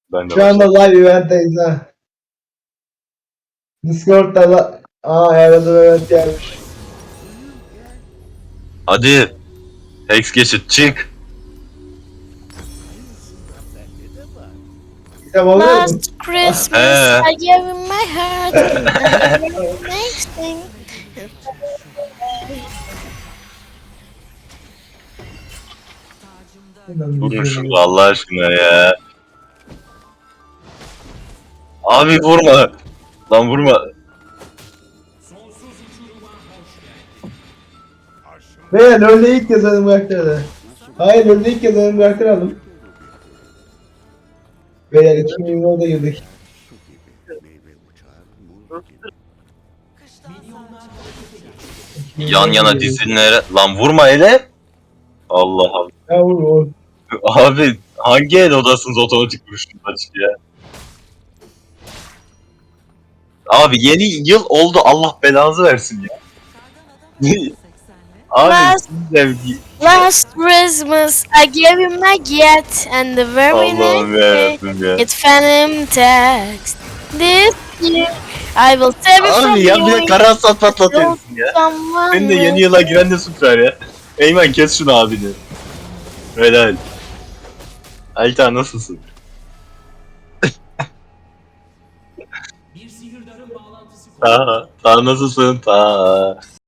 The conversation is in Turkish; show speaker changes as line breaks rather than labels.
Ben de
Şu anda
başladım.
live event'teyiz ha. Discord'da da... Aa yardım event gelmiş.
Hadi. Hex geçit çık.
Kitap alıyor musun?
Last Christmas
He.
I gave you my heart and the very next thing.
Vurun şunu Allah aşkına ya. Abi vurma. Lan vurma.
Ve LoL'de ilk kez adım bıraktırdı. Hayır LoL'de ilk kez adım bıraktıralım. Beyler 2020'de girdik.
Yan yana dizilere. Lan vurma hele. Allah Allah.
Ya vur vur.
Abi hangi el odasınız otomatik vuruşun açık ya. Abi yeni yıl oldu Allah belanızı versin ya. Abi
Last-
sevgi.
Last Christmas I gave you my gift and the very
Allah'ım
next day
yarabbim ya.
it phantom text. This year I will save it from
Abi ya bir de
you.
kara sat patlatıyorsun ya.
Someone
Senin de yeni yıla giren de süper ya. Eymen kes şunu abini. Helal. Alta nasılsın? Ta nasılsın? Ta.